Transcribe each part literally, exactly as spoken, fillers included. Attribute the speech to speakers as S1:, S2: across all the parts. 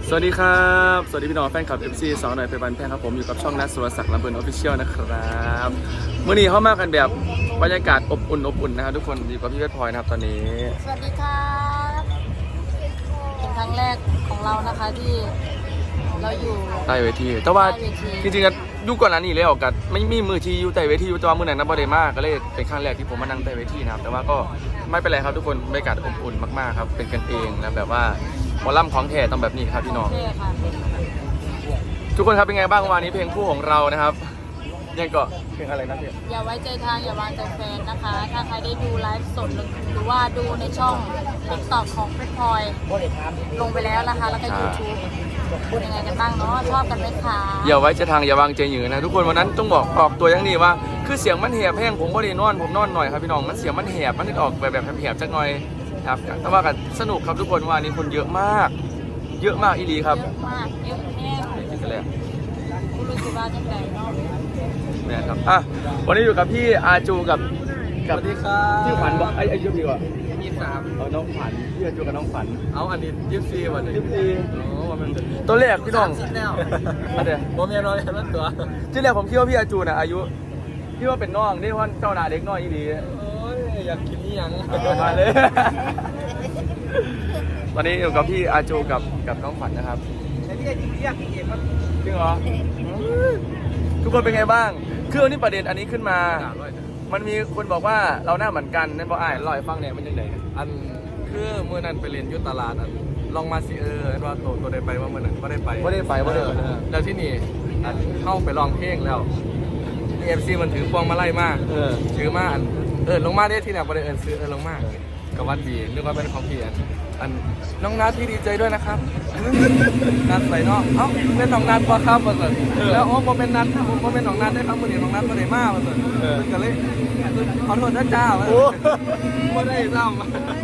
S1: สวัสดีครับสวัสดีพี่น้องแฟนคลับ เอฟ ซี สองหน่อยเพบันแพงครับผมอยู่กับช่องนัทสุรศักดิ์ลำเบิร์นออฟฟิเชียลนะครับเมื่อนี้เข้ามากันแบบบรรยากาศอบอุ่นอบอุ่นนะครับทุกคนอยู่กับพี่เพชรพลอยนะครับตอนนี้
S2: สวัสดีครับเป็นครั้งแรกของเรานะคะที่เราอยู่
S1: ใต้เวทีแต่ว่าจริงๆกันยุคก่อนนั้นนี่เลยออกกันไม่มีมือที่อยู่ใต้เวทีอยู่ตัวมือไหนนับบอลเดมากก็เลยเป็นครั้งแรกที่ผมมานั่งใต้เวทีนะครับแต่ว่าก็ไม่เป็นไรครับทุกคนบรรยากาศอบอุ่นมากๆครับเป็นกันเองนะแบบว่าหมอลำของแท้ต้องแบบนี้ครับพี่น้องทุกคนครับเป็นไงบ้างวันนี้เพลงคู่ของเรานะครับยังก็เพลงอะไรนะพี่
S2: อย่าไว้ใจทางอย่าวางใจแฟนนะคะถ้าใครได้ดูไลฟ์สดหรือว่าดูในช่องติ๊กต็อกของเพชรพลอยลงไปแล้วนะคะแล้วก็ยูทูบเป็นยังไงกันบ้างเนาะชอบกันไหมคะ
S1: อย่าไว้ใจทางอย่าวางใจหยือนะทุกคนวันนั้นต้องบอกออกตัวอย่างนี้ว่าคือเสียงมันแหบแห้งผมก็ได้นอนผมนอนหน่อยครับพี่น้องมันเสียงมันแหบมันออกแบบแบบแหบๆจักหน่อยครับแต่ว่ากันสนุกครับทุกคนวันนี้คนเยอะมากเยอะมากอีหลีครับ
S2: เยอะมากเยอะแน่
S1: นี่กันเลย
S2: คุณรู้สึกว่าจังไงเนาะ
S1: แม่ครับอ่ะวันนี้อยู่กับพี่อาจูกับ
S3: กับสวัสดีครับ
S1: พี่ขวัญบอกไอ้ไอ้ยุบดีกว่า
S3: ยี่สิบสาม
S1: เอาน้องขวัญพี่อาจูกับน้องขวัญ
S3: เอาอันนี้ยี่สิบสี่วันนี้
S1: ยี่สิบสี่
S3: โอ้วันมัน
S1: ตัวแรกพี่น้อง
S3: อะไรผมยังน้อยนั่นตัว
S1: ที่แรกผมคิดว่าพี่อาจูน่ะอายุพี่ว่าเป็นน้องนี่ว่าเจ้าหน้าเด็กน้อยอีหลี
S3: โอ้ยอยากกินนี่ยัง
S1: มาเลยตอนนี้อยู่กับพี่อาจูกับกับน้องขวัญนะครับ
S3: ไอ้พี่จริงๆอยากกินเองครับ
S1: จริงเหรอทุกคนเป็นไงบ้างคือวันนี้ประเด็นอันนี้ขึ้นมามันมีคนบอกว่าเราหน้าเหมือนกันนั่นบอกอ้ายลอยฟังเนี่ยมันยังไง
S3: อันคือเมื่อนั้นไปเรียนยุทธตลาดอันลองมาสิเออว่าตัวตัวได้ไปว่าเมื่อนั้นก็ได้ไป
S1: ไม่ได้ไปไม่ได้
S3: แล้วที่นี่อันเข้าไปลองเพลงแล้วเอฟซีมันถือพวงมาไล่มากถือมาอันเออลงมาได้ที่ไหนประเด็นเออซื้อเออลงมากกับวัดดีนึกว่าเป็นของพี่อันอันน้องนัทที่ดีใจด้วยนะครับนัทใส่เนาะเอ้าเป็นน้องนัทปะครับมาสิแล้วโอ้ผมเป็นนัทผมเป็นน้องนัทได้ครับมื่อนี้น้องนัทมาได้มากมาสิก็เลยขอโทษนะจ้าไม่ได้ซ้ำ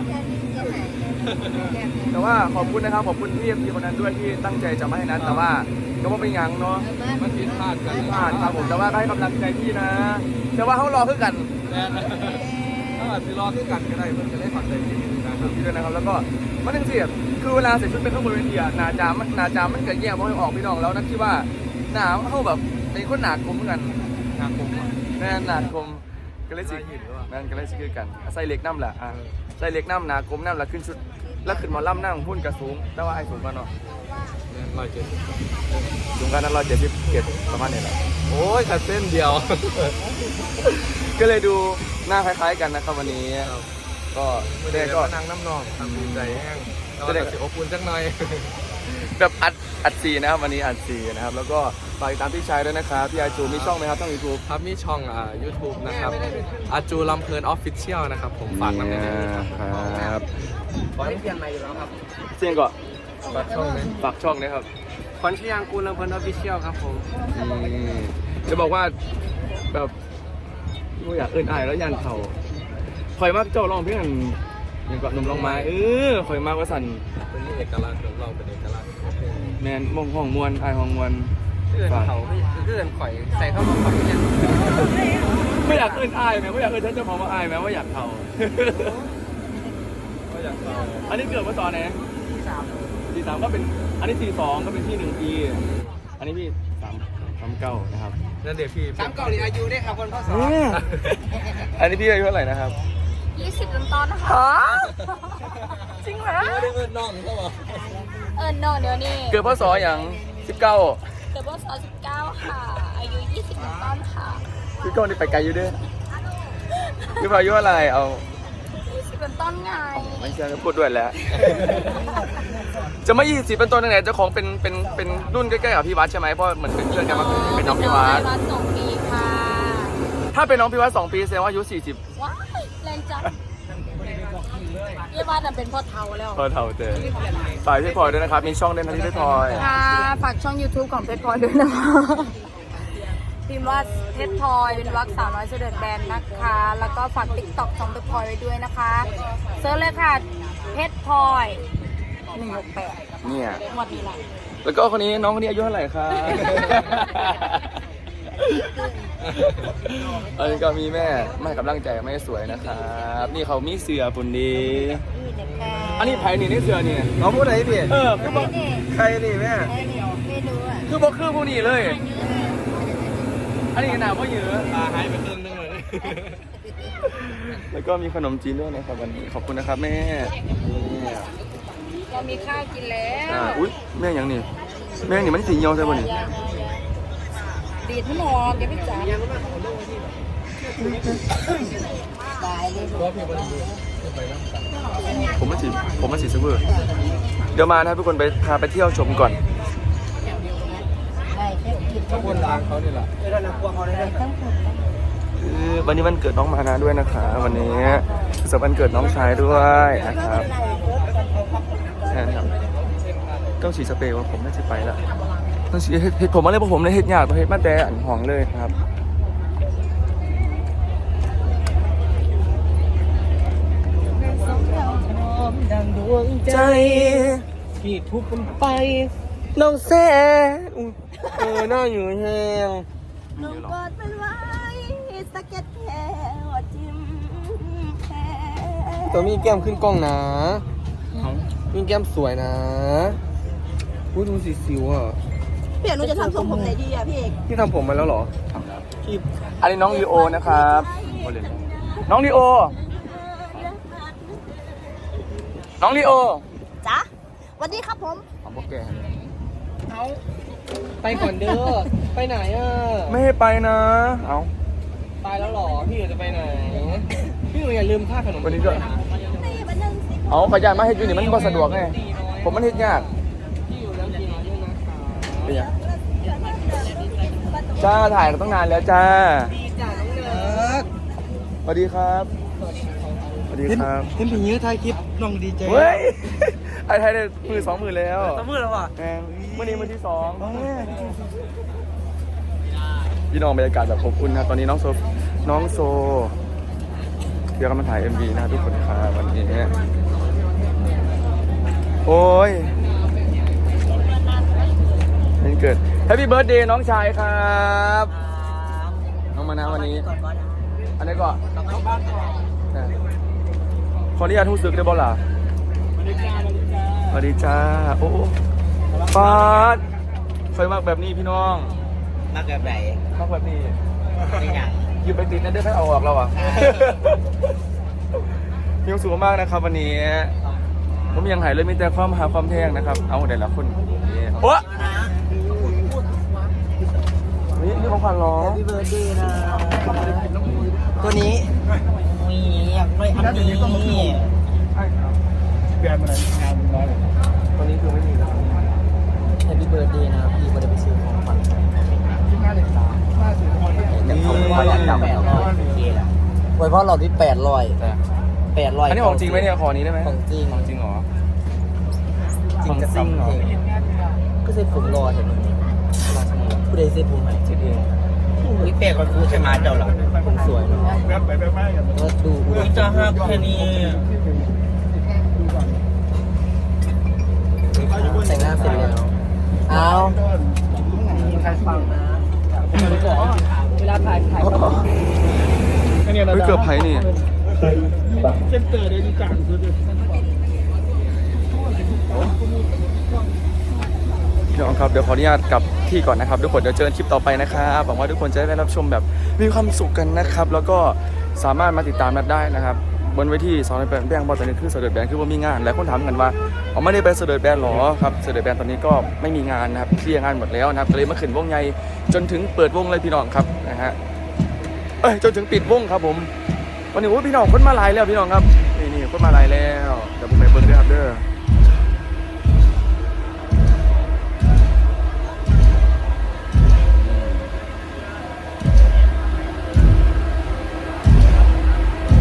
S1: แต่ว่าขอบคุณนะครับขอบคุณพี่เอ็มพีคนนั้นด้วยที่ตั้งใจจะมาให้นัทแต่ว่าก็ว่าเป็นยังเนาะ
S3: มันผิดพลาดกัน
S1: พลาดครับผมแต่ว่าให้กำลังใจพี่นะแต่ว่าเขารอเพื่อกัน
S3: ถ้าอาจจะรอเพื่อกันก็ได้เพื่อจะได้ผ่อนใจพี่
S1: นะครับพี่ด้วยนะครับแล้วก็มันนึงสิคือเวลาใส่ชุดเป็นข้างบนเวทีหนาจามันหนาจามันเกิดแย่เพราะออกพี่น้องแล้วนั่นที่ว่าหนาเขาแบบเป็นคนหนากลมเหมือนกัน
S3: หนากลม
S1: แน่นหนากลมก็เลยสินั่นก็เลยสิคือกันใส่เล็กน้ำแหละอ่ะใส่เล็กน้ำหนากลมน้ำแล้วขึ้นชุดแล้วขึ้นมาล่ำนั่งหุ้นกระสูงแต่ว่าไอ้สูงกันเนาะ
S3: ร้อยเจ็ด
S1: สูงกันนั้นร้อยเจ็ดสิบเจ็ดประมาณนี้แหละ
S3: โอ้ยขัดเส้นเดียว
S1: ก็เลยดูหน้าคล้ายๆกันนะครับวันนี้ก็
S3: เด็กก็นั่งน้ำนองทำดีใจแห้งก็เด็กอบอุ่นจังหน่อย
S1: แบบอัดอัดซีนะครับวันนี้อัดซีนะครับแล้วก็ฝากติดตามพี่ชายด้วยนะครับพี่อาจูมีช่องไหมครับช่องยูทูบ
S3: ครับมีช่องอ่ายูทูบนะครับอาจูลำเพลินออฟฟิเชียลนะครับผมฝากน้ำในนี้
S1: ครับ
S3: ขอให้เปลี่ยนใหม่อยู่แล้วครับ
S1: เสียงก่อน
S3: ฝากช่องนี้
S1: ฝากช่องนี้ครับ
S3: ขวัญชยางกูลลำเพลินออฟฟิเชียลครับผม
S1: จะบอกว่าแบบไม่อยากเอิ้นอายแล้วยันเขาคอยมากเจ้าลองเพื่อนอย่างกับหนุ่มลองไม้เออคอยมากว่าสั่น
S3: เป็นเอกลักษณ์ของเราเป็นเอกลักษณ์
S1: แมนมองห้องมวนอายห้องมวน
S3: เพื่อนเขาเพื่อนข่อยใส่เข้ามาข่อยเนี่ย
S1: ไม่อยากเอิ้นอายไหมไม่อยากเอิ้นฉันจะพอมาอายไหมว่าอยากเขา
S3: ก็อยากเขา
S1: อันนี้เกิดเมื่อตอนไหน
S3: ที่สาม
S1: ที่สามก็เป็นอันนี้สี่สองก็เป็นที่หนึ่งปีอันนี้พี่สามสามเก้านะครับ
S3: นั่นเดี๋ยวพี่
S2: สามเก้านี่อายุได้ครับคนพ่อสอน
S1: อันนี้พี่อายุเท่าไหร่นะครับ
S2: ยี่สิบต้นต้นนะคะจริงเหรอ
S3: ไม่ได้เอิ้นน้องเขาบอก
S2: เอิ้นน้องเดี๋ยวนี้
S1: เกิดพศอย่างสิบเก้า
S2: เกิดพศสิบเก้าค่ะอายุยี่สิบต้นต้นค่ะ
S1: พี่ก้องนี่ไปไกลอยู่ด้วยพี่พายุอะไรเอา
S2: ยี่สิบเป็นต้นไง
S1: ไม่ใช่พูดด้วยแล้วจะไม่ยี่สิบเป็นต้นยังไงเจ้าของเป็นเป็นเป็นรุ่นใกล้ๆกับพี่วัดใช่ไหมเพราะเหมือนเป็นเพื่อนกันมาเป็นน้องพี่วัด
S2: สองปีค่ะ
S1: ถ้าเป็นน้องพี่วัดสองปีแสดงว่าอายุสี่สิบ
S2: ว้ายแรงจังพี่วัดเป็นพ่อเฒ่าแล้ว
S1: พ่อเฒ่าเจอฝากพี่พลอยด้วยนะครับมีช่องเด่นที่พี่พลอย
S2: ค่ะฝากช่อง ยูทูบ ของเพชรพลอยด้วยนะคะพิมพ์ว่าเพชรพลอยเป็นวักสาวน้อยเสด็จแบนนะคะแล้วก็ฝาก ติ๊กต็อก ของเพชรพลอยไว้ด้วยนะคะเซิร์ชเลยค่ะเพชรพลอยหนึ่งหกแปด
S1: เนี่ย
S2: หมดนี้แหละ
S1: แล้วก็คนนี้น้องคนนี้อายุเท่าไหร่คะอันนี้ก็มีแม่ไม่กำลังใจไม่สวยนะครับนี่เขามีเสือปุ่นดีอันนี้ไผ่นี่นี่เสือนี่
S3: เขาพูดอะไรพี่
S1: เออคือบอกคใครนี่แม่
S2: ไม่รู้อ่ะ
S1: คือบอกคือผู้นี้เลย อันนี้หนาว่าเยอะ
S3: ตาหายไปครึ่งนึงเลย
S1: แล้วก็มีขนมจีนด้วยนะครับวันนี้ขอบคุณนะครับแม่นี่
S2: เรามีข้าวกินแล้ว
S1: อ่าอุ้ยแม่ยังนี่แม่นี่มันสีเหี่ยวใช่ป่ะนี่
S2: ดีดให้หมอแกพี่จ๋าตายเลย
S1: ผมมาสีผมมาสีเซเวอร์เดี๋ยวมานะครับทุกคนไปพาไปเที่ยวชมก่อน
S2: ได้แค่กิน
S3: ขบวนทางเขานี่แหละ
S2: ทั้งหมด
S1: คือวันนี้วันเกิดน้องมานะด้วยนะคะวันนี้สำหรับวันเกิดน้องชายด้วยนะครับใช่ครับต้องฉีดสเปรย์ว่าผมน่าจะไปละต้องฉีดเห็ดผมอะไรพวกผมเลยเห็ดยากตัวเห็ดมาแต่อันหองเลยครับใจ
S3: พี่ทุบมันไป
S1: น้องแซ่เออหน้าอยู่แห้ง
S2: ลงกอดเป็นไว้สเก็ตแค่ว่าจิ้มแค่
S3: ตัวมีแก้มขึ้นกล้องนะมีแก้มสวยนะพูดดูสีสิวอ่ะ
S2: พี่เอกหนูจะทำทรงผมไหนดีอ่ะพี่เอก
S3: พี่ทำผมมาแล้วเหรอ
S1: พี่อันนี้น้องลีโอนะครับน้องลีโอ น้องลีโอ
S2: จ๊ะสวัสดีครับผม
S1: ของพวกแก
S3: เอาไปก่อนเด้อ ไปไหนอ่ะ
S1: ไม่ให้ไปนะ เอา
S3: ไปแล้วเหรอ พี่อยู่จะไปไหน พี่อยู่อย่าลืมค่าขนม
S1: วันนี้ก็เอาขยันมาเฮ็ดอยู่นี่มันบ่สะดวกไงผมมันเฮ็ดยาก
S3: พี่อยู่แล้วกินน้อยด้วยนะคะ
S1: เป็นยังจ้าถ่ายตั้งนานแล้วจ้า
S3: ดีจ้าน้องเนิร์ด
S1: สวัสดีครับสวัสดีครับ
S3: เห็นผีเงี้ยถ่ายคลิปน้องดีใจ
S1: เฮ้ยไอ้ไทยได้มือสองมือแล้ว
S3: ตะมือแล้วว่ะ
S1: แหมเมื่อนี้มือที่สองพี่น้องบรรยากาศแบบอบอุ่นนะตอนนี้น้องโซน้องโซเดี๋ยวกำลังถ่าย เอ็ม วี นะทุกคนครับวันนี้โอ้ยวันเกิด Happy Birthday น้องชายครับน้องมานะวันนี้ อันนี้ก็ขออนุญาตทู่ซึกได้บ่ล่ะสวัสดีจ้าโอ้ฟาดเคยมากแบบนี้พี่น้อง
S3: มากแบบไหน
S1: มากแบบนี้
S3: นี่ไง
S1: ยืมไปติดนั่นได้ให้เอาออกแล้วอ่ะ มีความสุขมากนะครับวันนี้ผมยังหายเลยมีแต่ความหาความแพงนะครับ เอาแต่ละคนโอ้นี่นี่ของขวัญเหรอ
S3: พี่เบิร์ดดีนะตัวนี้มีอยากได้อันนี้
S1: แบรนด์อะไรงานน้อยตอนนี้คือไม่มีแล้ว
S3: แฮปปี้เบิร์ดดีนะพี่ไม่ได้ไปซื้อของขวัญ
S1: ที่หน้าเด็กสาวหน้าสื่อคน
S3: แต่เขาไม่ได้จับแล้วไว้เพราะเราที่แปดร้อยแปดร้อย
S1: อันนี้ของจริงไหมเนี่ยขอนี้ได้ไหม
S3: ของจริง
S1: ของจริงเหรอ
S3: จริงกับจริงเหรอก็เซ็ตผมรอเห็นไหมผู้ใดเซ็ตผมไหม
S1: คิดเอง
S3: วิเปกกับกูใช่ไหมเจ้าหรอผมสวยเนาะ
S1: แวบไปแวบมากัน
S3: ก็ดูจะหักแค่นี้แต่งหน้าเสร็จแล้วเอาใครฟังนะเวลาถ่ายถ่ายก็
S1: เฮ้ยเกือบไผ่นี่
S3: เส้นเตอร์ได้ดีจังสุด
S1: พี่น้องครับเดี๋ยวขออนุญาตกลับที่ก่อนนะครับทุกคนเดี๋ยวเจอกันคลิปต่อไปนะครับหวังว่าทุกคนจะได้รับชมแบบมีความสุขกันนะครับ แล้วก็สามารถมาติดตามนัดได้นะครับบนเวทีสองในแบงค์บอลตอนนี้คือเสด็จแบนคือว่ามีงานหลายคนถามกันว่าอ๋อไม่ได้ไปเสด็จแบนหรอครับเสด็จแบนตอนนี้ก็ไม่มีงานนะครับเคลียร์งานหมดแล้วนะครับก็เลยมาขึ้นวงใหญ่จนถึงเปิดวงเลยพี่น้องครับนะฮะเอ้ยจนถึงปิดวงครับผมวันนี้โอ้พี่น้องคนมาหลายแล้วพี่น้องครับนี่นี่คนมาหลายแล้วเดี๋ยวผมไปเบิ้งด้วยครับเด้อ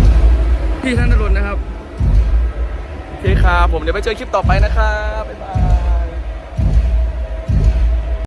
S1: พี่ธนดลนะครับโอเคครับผมเดี๋ยวไปเจอคลิปต่อไปนะครับบ๊ายบาย